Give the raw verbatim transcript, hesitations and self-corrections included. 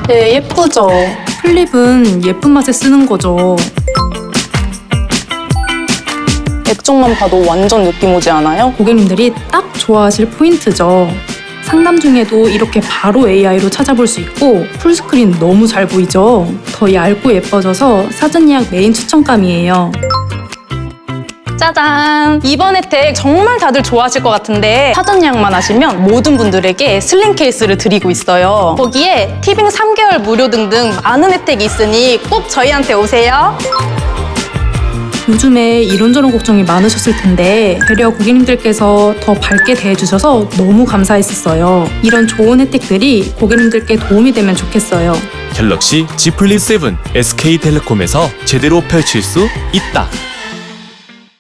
네, 예쁘죠? 플립은 예쁜 맛에 쓰는 거죠. 액정만 봐도 완전 느낌 오지 않아요? 고객님들이 딱 좋아하실 포인트죠. 상담 중에도 이렇게 바로 에이아이로 찾아볼 수 있고 풀스크린 너무 잘 보이죠? 더 얇고 예뻐져서 사전 예약 메인 추천감이에요. 짜잔! 이번 혜택 정말 다들 좋아하실 것 같은데 사전 예약만 하시면 모든 분들에게 슬림 케이스를 드리고 있어요. 거기에 티빙 삼 개월 무료 등등 많은 혜택이 있으니 꼭 저희한테 오세요. 요즘에 이런저런 걱정이 많으셨을 텐데 배려 고객님들께서 더 밝게 대해주셔서 너무 감사했었어요. 이런 좋은 혜택들이 고객님들께 도움이 되면 좋겠어요. 갤럭시 Z 플립 칠 에스케이텔레콤에서 제대로 펼칠 수 있다.